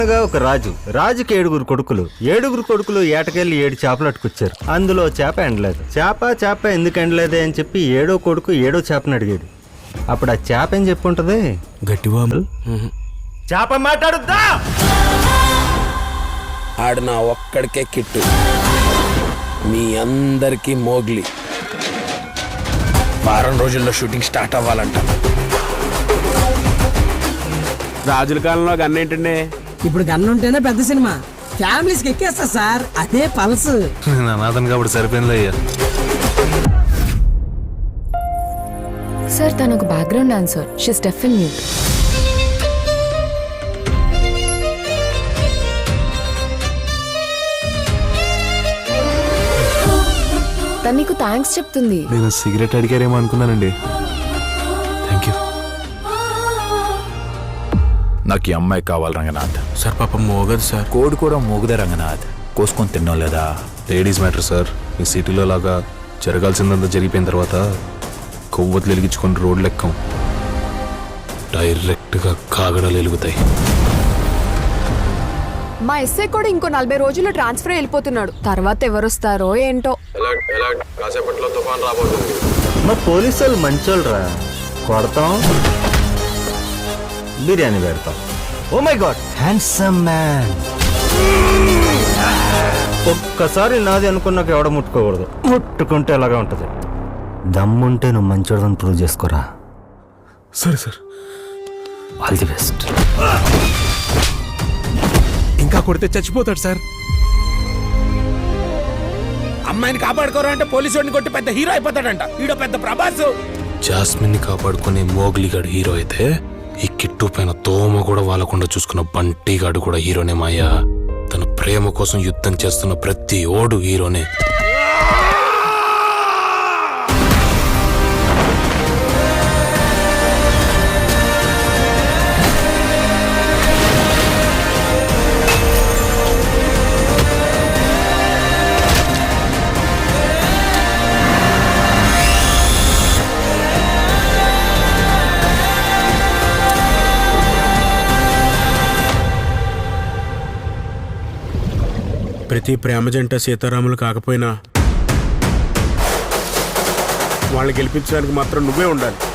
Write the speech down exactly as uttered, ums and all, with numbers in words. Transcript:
ఒక రాజు రాజుకి ఏడుగురు కొడుకులు ఏడుగురు కొడుకులు ఏటకెళ్ళి ఏడు చేపలు అట్టుకొచ్చారు. అందులో చేప ఎండలేదు. చేప చేప ఎందుకు ఎండలేదే అని చెప్పి ఏడో కొడుకు ఏడో చేపని అడిగాడు. అప్పుడు ఆ చేప ఏం చెప్పుంటది? గట్టివా చేప మాట్లాడుద్దా? ఆడు నా ఒక్కడికే కిట్టు, మీ అందరికీ మోగ్లీ. వారం రోజుల్లో షూటింగ్ స్టార్ట్ అవ్వాలంట. రాజుల కాలంలో గన్ ఏంటండి? ఇప్పుడు గన్ ఉంటేనే పెద్ద సినిమా, ఫ్యామిలీస్కి ఎక్కేస్తా సార్. అదే పల్స్. అనాథన్ కాబట్టి సరిపోయింది అయ్యా. సార్ తను ఒక background dancer. She step in mute. తను నీకు థ్యాంక్స్ చెప్తుంది. నేను సిగరెట్ అడిగారేమో అనుకున్నానండి. Thank you. నాకు ఈ అమ్మాయి కావాలి రంగనాథ్. సార్ పాపం మోగదు సార్. కోడి కూడా మోగుదే రంగనాథ్. కోసుకొని తిన్నాం లేదా? Ladies matter sir. ఈ సిటీలో లాగా జరగాల్సిందంతా జరిగిపోయిన తర్వాత కొవ్వొత్తులు వెలిగించుకొని రోడ్లు ఎక్కం, డైరెక్ట్గా కాగడాలు వెలుగుతాయి. మా ఎస్ఐ కూడా ఇంకో నలభై రోజుల్లో ట్రాన్స్ఫర్ వెళ్ళిపోతున్నాడు. తర్వాత ఎవరొస్తారో ఏంటో. మా పోలీసు వాళ్ళు మంచోళ్ళు రా. కొడతాం, బిర్యానీ పెడతాం. Oh my god, handsome man. ఒక్కసారి నాది అనుకున్నాక ఎవడ ముట్టుకోకూడదు. ముట్టుకుంటే ఎలాగా ఉంటది. దమ్ముంటే నువ్వు మంచోడని ప్రూవ్ చేసుకోరా. సరే సార్. All the best. ఇంకా కొడితే చచ్చిపోతాడు సార్. అమ్మాయిని కాపాడుకోరా అంటే పోలీసు వాడిని కొట్టి పెద్ద హీరో అయిపోతాడంట. ఈడో పెద్ద ప్రభాస్. జాస్మిన్ ని కాపాడుకునే మోగ్లీగాడు హీరో అయితే, ఈ కిట్టు పైన తోమ కూడా వాళ్ళకుండా చూసుకున్న బంటిగాడు కూడా హీరోనే మాయా. తన ప్రేమ కోసం యుద్ధం చేస్తున్న ప్రతి ఓడు హీరోనే. ప్రతి ప్రేమ జంట సీతారాములు కాకపోయినా వాళ్ళని గెలిపించడానికి మాత్రం నువ్వే ఉండాలి.